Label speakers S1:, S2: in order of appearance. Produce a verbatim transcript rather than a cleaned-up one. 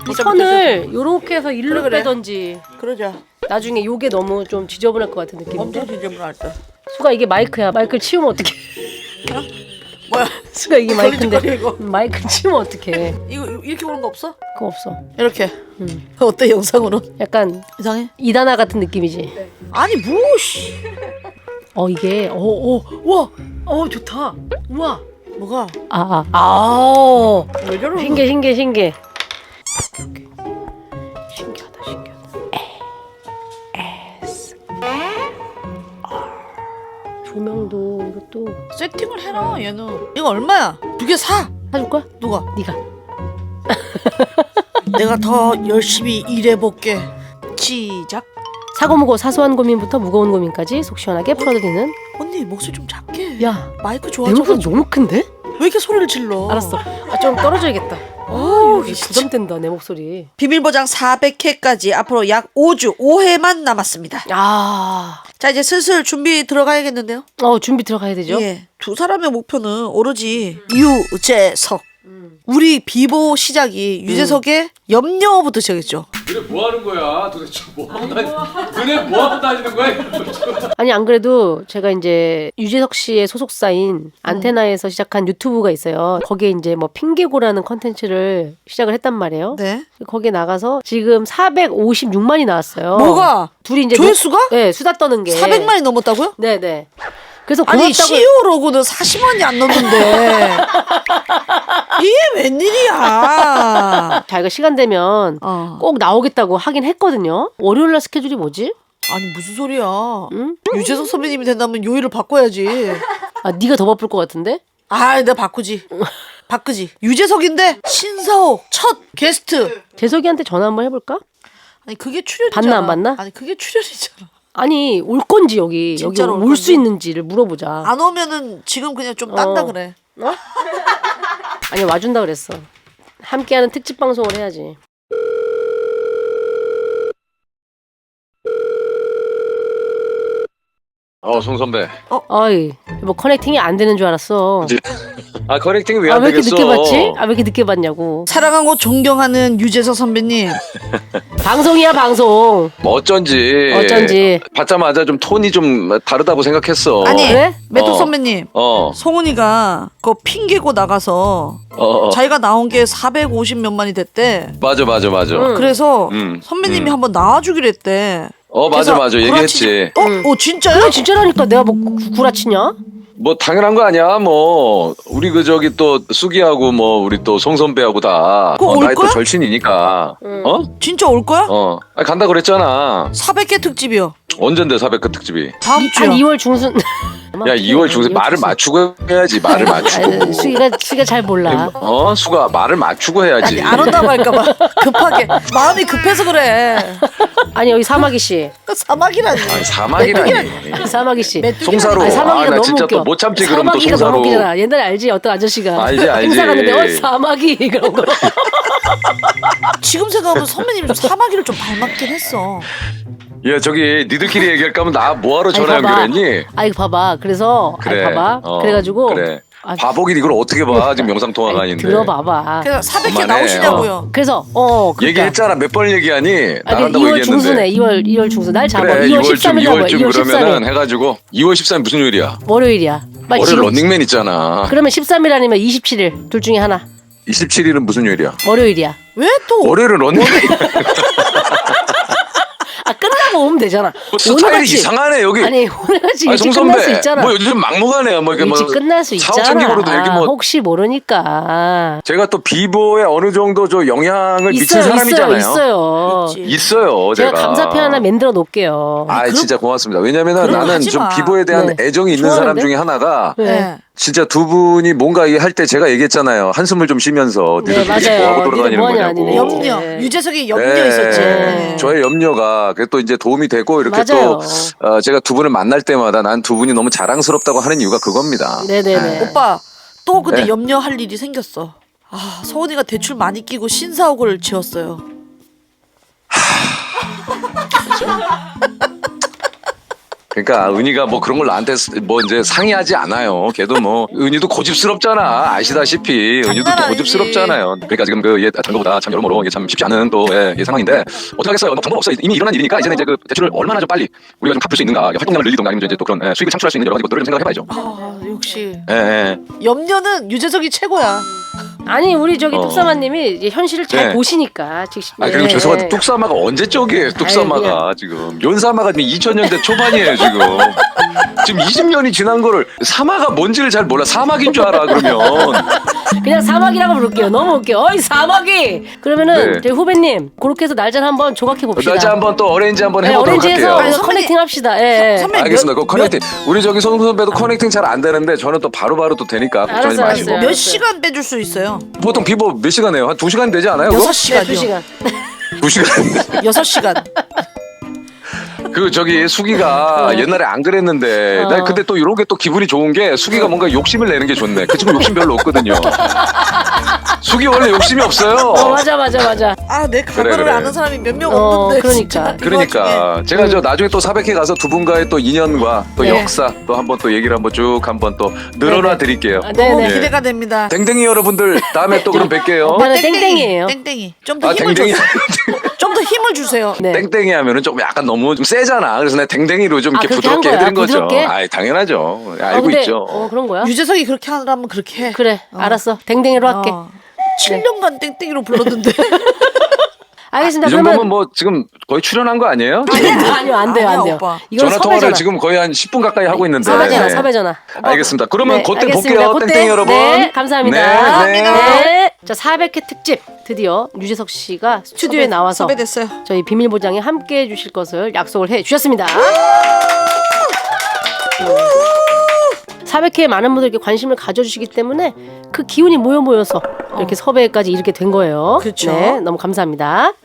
S1: 이 선을 요렇게 해서 일로
S2: 그래, 그래.
S1: 빼던지.
S2: 그러자.
S1: 나중에 요게 너무 좀 지저분할 것 같은 느낌인데.
S2: 엄청 지저분할 때.
S1: 수가 이게 마이크야. 마이크를 치우면 어떡해.
S2: 뭐야?
S1: 수가 이게 마이크인데
S2: 걸리지, 이거.
S1: 마이크 치우면 어떡해.
S2: 이거 이렇게 보는 거 없어?
S1: 그거 없어.
S2: 이렇게.
S1: 음.
S2: 어때 영상으로?
S1: 약간
S2: 이상해?
S1: 이단아 같은 느낌이지.
S2: 아니 뭐씨?
S1: 어 이게 어어와 어 좋다. 우와.
S2: 뭐가?
S1: 아아 아.
S2: 왜 저러는
S1: 신기해 신기해 신기해. 오케이, 오케이. 신기하다 신기하다. 에스 조명도 이것도
S2: 세팅을 해라 얘는. 이거 얼마야? 두 개 사.
S1: 사줄 거야?
S2: 누가?
S1: 네가.
S2: 내가 더 열심히 일해볼게. 시작.
S1: 사고 무고 사소한 고민부터 무거운 고민까지 속 시원하게 풀어드리는.
S2: 언니 목소리 좀 작게.
S1: 야,
S2: 마이크
S1: 내
S2: 좋아져.
S1: 목소리 너무 큰데?
S2: 왜 이렇게 소리를 질러?
S1: 알았어. 아, 좀 떨어져야겠다.
S2: 아,
S1: 오,
S2: 여기 진짜.
S1: 부담된다 내 목소리.
S2: 비밀보장 사백 회까지 앞으로 약 오 주 오 회만 남았습니다.
S1: 아,
S2: 자 이제 슬슬 준비 들어가야겠는데요?
S1: 어 준비 들어가야 되죠?
S2: 예. 두 사람의 목표는 오로지 유재석.
S1: 음.
S2: 우리 비보 시작이 유재석의 염려부터 시작했죠.
S3: 너네 뭐 하는 거야? 도대체 뭐 하고 다니? 너네 뭐 하고 다니는 거야?
S1: 아니 안 그래도 제가 이제 유재석 씨의 소속사인 안테나에서 시작한 유튜브가 있어요. 거기에 이제 뭐 핑계고라는 컨텐츠를 시작을 했단 말이에요.
S2: 네.
S1: 거기에 나가서 지금 사백오십육만이 나왔어요.
S2: 뭐가?
S1: 둘이 이제
S2: 조회수가?
S1: 노- 네, 수다 떠는 게
S2: 사백만이 넘었다고요?
S1: 네네. 그래서
S2: 아니
S1: 고맙다고.
S2: 씨이오 로고는 사십만이 안 넘는데 이게 웬일이야?
S1: 자기가 시간 되면
S2: 어.
S1: 꼭 나오겠다고 하긴 했거든요. 월요일날 스케줄이 뭐지?
S2: 아니 무슨 소리야?
S1: 응?
S2: 유재석 선배님이 된다면 요일을 바꿔야지.
S1: 아 네가 더 바쁠 것 같은데?
S2: 아, 내가 바꾸지. 바꾸지. 유재석인데 신사옥 첫 게스트.
S1: 재석이한테 전화 한번 해볼까?
S2: 아니 그게 출연이잖아.
S1: 받나, 안 받나?
S2: 아니 그게 출연이잖아.
S1: 아니 올 건지 여기 여기
S2: 진짜로 올
S1: 올 수
S2: 건지?
S1: 있는지를 물어보자.
S2: 안 오면은 지금 그냥 좀 딴다
S1: 어.
S2: 그래.
S1: 어? 아니 와준다 그랬어. 함께하는 특집 방송을 해야지.
S3: 어, 송 선배.
S1: 어이 뭐 커넥팅이 안 되는 줄 알았어.
S3: 아, 커넥팅이 왜
S1: 아
S3: 안
S1: 왜 이렇게
S3: 되겠어?
S1: 늦게 봤지? 아 왜 이렇게 늦게 봤냐고.
S2: 사랑하고 존경하는 유재석 선배님.
S1: 방송이야 방송.
S3: 뭐 어쩐지.
S1: 어쩐지.
S3: 받자마자 좀 톤이 좀 다르다고 생각했어.
S2: 아니
S1: 그래?
S2: 메토
S3: 어.
S2: 선배님.
S3: 어.
S2: 송은이가 그거 핑계고 나가서
S3: 어. 어.
S2: 자기가 나온 게 사백오십 몇만이 됐대.
S3: 맞아, 맞아, 맞아.
S1: 응.
S2: 그래서
S3: 음,
S2: 선배님이
S3: 음.
S2: 한번 나와주기로 했대.
S3: 어, 맞아,
S2: 그래서
S3: 맞아. 얘기했지.
S2: 구라치지- 어?
S1: 응.
S2: 어 진짜요?
S1: 그래 진짜라니까 내가 뭐 구- 구라치냐?
S3: 뭐 당연한 거 아니야. 뭐 우리 그 저기 또 수기하고 뭐 우리 또 송 선배하고 다
S2: 그거
S3: 어,
S2: 올
S3: 나이
S2: 거야?
S3: 또 절친이니까.
S1: 응.
S3: 어?
S2: 진짜 올 거야?
S3: 어. 아니, 간다 그랬잖아.
S2: 사백 개 특집이요.
S3: 언젠데 사백 그 특집이.
S2: 다음 주요.
S1: 한 이월 중순.
S3: 야, 이월 중에 말을 맞추고 해야지. 말을 맞추고.
S1: 아니, 수기가 수기가 잘 몰라.
S3: 어, 수가 말을 맞추고 해야지.
S2: 아니 안 온다고 할까봐 급하게 마음이 급해서 그래.
S1: 아니 여기 사마귀 씨.
S2: 사막이라니.
S3: 아니, 사막이라니.
S1: 사마귀 씨.
S3: 송사로.
S1: 아니, 사마귀가
S3: 아, 나
S1: 너무
S3: 진짜
S1: 웃겨.
S3: 또 못 참지 그럼 또
S1: 사마귀가
S3: 송사로.
S1: 너무 웃기잖아. 옛날에 알지? 어떤 아저씨가
S3: 알지, 알지.
S1: 행사 갔는데 어 사마귀 그런 거.
S2: 지금 생각하면 선배님이 좀 사마귀를 좀 닮았긴 했어.
S3: 야, 저기 니들끼리 얘기할 거면 나 뭐하러 전화
S1: 아니, 봐봐.
S3: 연결했니?
S1: 아이 봐봐. 그래서
S3: 그래.
S1: 아이 봐봐.
S3: 어,
S1: 그래가지고
S3: 그래.
S1: 아,
S3: 바보긴 이걸 어떻게 봐? 지금 영상 통화가
S1: 아니,
S3: 아닌데.
S1: 들어봐봐.
S2: 그래서 사백 개
S3: 그만해.
S2: 나오시냐고요.
S1: 그래서 어 그러니까.
S3: 얘기했잖아. 몇 번 얘기하니?
S1: 아니,
S3: 나간다고
S1: 이월
S3: 얘기했는데.
S1: 중순에 이월 이월 중순 날 잡아.
S3: 그래,
S1: 이월
S3: 이월쯤
S1: 십삼일 잡아.
S3: 이월쯤
S1: 이월
S3: 그러면은
S1: 십삼일
S3: 해가지고 이월 십삼일 무슨 요일이야?
S1: 월요일이야. 빨리
S3: 월요일
S1: 지금.
S3: 런닝맨 있잖아.
S1: 그러면 십삼일 아니면 이십칠일 둘 중에 하나.
S3: 이십칠일은 무슨 요일이야?
S1: 월요일이야.
S2: 왜 또?
S3: 월요일은 런닝맨.
S1: 아 끝나고 오면 되잖아.
S3: 뭐 스타일이
S1: 오늘같이-
S3: 이상하네 여기.
S1: 아니 오늘같이
S3: 아니,
S1: 일찍
S3: 송
S1: 끝날 수
S3: 선배.
S1: 있잖아.
S3: 뭐 요즘 막무가내야. 뭐 이렇게 뭐
S1: 일찍 끝날 수
S3: 사업
S1: 있잖아.
S3: 챙기고도 얘기 뭐.
S1: 혹시 모르니까.
S3: 제가 또 비보에 어느 정도 저 영향을 미친
S1: 있어요,
S3: 사람이잖아요.
S1: 있어요, 있어요.
S2: 있지.
S3: 있어요,
S1: 제가
S3: 제가.
S1: 감사표 하나 만들어 놓을게요.
S3: 아,
S2: 그럼-
S3: 진짜 고맙습니다. 왜냐면은
S2: 그럼
S3: 나는
S2: 하지
S3: 좀
S2: 마.
S3: 비보에 대한
S1: 네.
S3: 애정이 있는 사람
S1: 좋아하는데?
S3: 중에 하나가
S1: 네.
S2: 네.
S3: 진짜 두 분이 뭔가 할 때 제가 얘기했잖아요. 한숨을 좀 쉬면서
S1: 네,
S3: 니들
S1: 맞아요.
S3: 뭐하고
S1: 니들
S3: 돌아다니는
S1: 뭐하냐,
S3: 거냐고.
S1: 니네.
S2: 염려.
S1: 네.
S2: 유재석이 염려
S3: 네.
S2: 있었지.
S1: 네.
S3: 저의 염려가 그게 또 이제 도움이 되고 이렇게
S1: 맞아요.
S3: 또 어, 제가 두 분을 만날 때마다 난 두 분이 너무 자랑스럽다고 하는 이유가 그겁니다.
S1: 네네네.
S2: 오빠 또 근데
S3: 네.
S2: 염려할 일이 생겼어. 아 서훈이가 대출 많이 끼고 신사옥을 지었어요. 。 어,
S3: 그러니까 은희가 뭐 그런 걸 나한테 뭐 이제 상의하지 않아요. 걔도 뭐 은희도 고집스럽잖아. 아시다시피 은희도
S2: 장난
S3: 또
S2: 아니지.
S3: 고집스럽잖아요. 그러니까 지금 그얘 다른 거보다 참 여러모로 이게 참 쉽지 않은 또 예, 예, 상황인데 어떻게 하겠어요. 뭐 방법 없어. 이미 일어난 일이니까 이제는 이제 그 대출을 얼마나 좀 빨리 우리가 좀 갚을 수 있는가, 활동량을 늘리든가 아니면 이제 또 그런 예, 수익을 창출할 수 있는 여러 가지 것들을 좀 생각해봐야죠.
S2: 아, 역시
S3: 예, 예.
S2: 염려는 유재석이 최고야.
S1: 아니 우리 저기
S3: 어.
S1: 뚝사마님이 이제 현실을 잘
S3: 네.
S1: 보시니까 즉
S3: 아 그리고
S1: 네.
S3: 죄송한데 뚝사마가 언제 쪽이에요? 뚝사마가 지금 연사마가 지금 이천 년대 초반이에요 지금. 지금 이십 년이 지난 거를 사마가 뭔지를 잘 몰라. 사막인 줄 알아 그러면.
S1: 그냥 사막이라고 부를게요. 너무 웃겨. 어이 사막이. 그러면은
S3: 네.
S1: 저희 후배님 그렇게 해서 날짜를 한번 조각해 봅시다.
S3: 날짜 한번 또 어레인지 한번
S1: 네,
S3: 해보도록
S1: 오렌지에서
S3: 할게요.
S1: 그래서
S2: 선배님,
S1: 커넥팅 합시다. 예. 예.
S2: 선배
S3: 알겠습니다. 그
S2: 몇-
S3: 커넥팅 우리 저기 송 선배도 커넥팅 잘 안 되는데 저는 또 바로바로 또 되니까 걱정하지
S1: 알았어요,
S3: 마시고.
S1: 알았어요.
S2: 몇 시간 빼줄 수 있어요?
S3: 보통 비보 몇 시간 해요? 한 두 시간 되지 않아요?
S2: 여섯
S3: 그거?
S1: 네,
S2: 시간이요.
S1: 두 시간.
S3: 두 시간.
S2: 여섯 시간.
S3: 그 저기 수기가 옛날에 안 그랬는데
S1: 어.
S3: 나 근데 또 이런 게 또 기분이 좋은 게 수기가 뭔가 욕심을 내는 게 좋네. 그 친구 욕심 별로 없거든요. 수기 원래 욕심이 없어요.
S1: 어 맞아 맞아 맞아.
S2: 아, 내 과거를
S3: 그래, 그래.
S2: 아는 사람이 몇 명
S1: 어,
S2: 없는데.
S1: 그러니까.
S2: 진짜. 이
S3: 그러니까
S2: 와중에.
S3: 제가 저 나중에 또 사백회 가서 두 분과의 또 인연과 또
S1: 네.
S3: 역사 또 한번 또 얘기를 한번 쭉 한번 또 늘어나 드릴게요.
S1: 아,
S2: 너무
S1: 네네.
S3: 예.
S2: 기대가 됩니다.
S3: 댕댕이 여러분들 다음에 또 그럼 뵐게요.
S1: 나는 땡땡이에요.
S2: 땡땡이. 좀 더
S3: 아
S2: 힘을
S3: 댕댕이
S2: 주세요. 좀 더 힘을 주세요.
S1: 네.
S3: 땡땡이 하면은 좀 약간 너무 좀 세잖아. 그래서 내가 댕댕이로 좀
S1: 아,
S3: 이렇게
S1: 그렇게 한
S3: 부드럽게
S1: 거야?
S3: 해드린 거죠.
S1: 부드럽게?
S3: 아 당연하죠.
S1: 아,
S3: 알고
S1: 근데,
S3: 있죠.
S1: 어 그런 거야?
S2: 유재석이 그렇게 하라면 그렇게 해.
S1: 그래 알았어. 땡땡이로 할게.
S2: 어. 칠 년간 땡땡이로 불렀는데.
S1: 알겠습니다.
S3: 이 정도면
S1: 그러면
S3: 뭐 지금 거의 출연한 거 아니에요?
S1: 아니요 아니요 안 돼요 안
S2: 아니야,
S1: 돼요.
S2: 오빠.
S1: 이건
S3: 전화 통화를
S1: 섭외잖아.
S3: 지금 거의 한 십 분 가까이 하고 있는데.
S1: 섭외 전화
S3: 네.
S1: 섭외 전화.
S3: 알겠습니다. 그러면
S1: 네,
S3: 그때
S1: 알겠습니다.
S3: 볼게요.
S1: 그때.
S3: 땡땡이 여러분.
S1: 네, 감사합니다.
S3: 네, 네.
S1: 네. 자, 사백 회 특집 드디어 유재석 씨가 스튜디오에
S2: 섭외-
S1: 나와서
S2: 섭외됐어요.
S1: 저희 비밀 보장에 함께 해 주실 것을 약속을 해 주셨습니다. 사백 회에 많은 분들께 관심을 가져주시기 때문에 그 기운이 모여 모여서 이렇게 섭외까지 이렇게 된 거예요.
S2: 그렇죠.
S1: 네, 너무 감사합니다.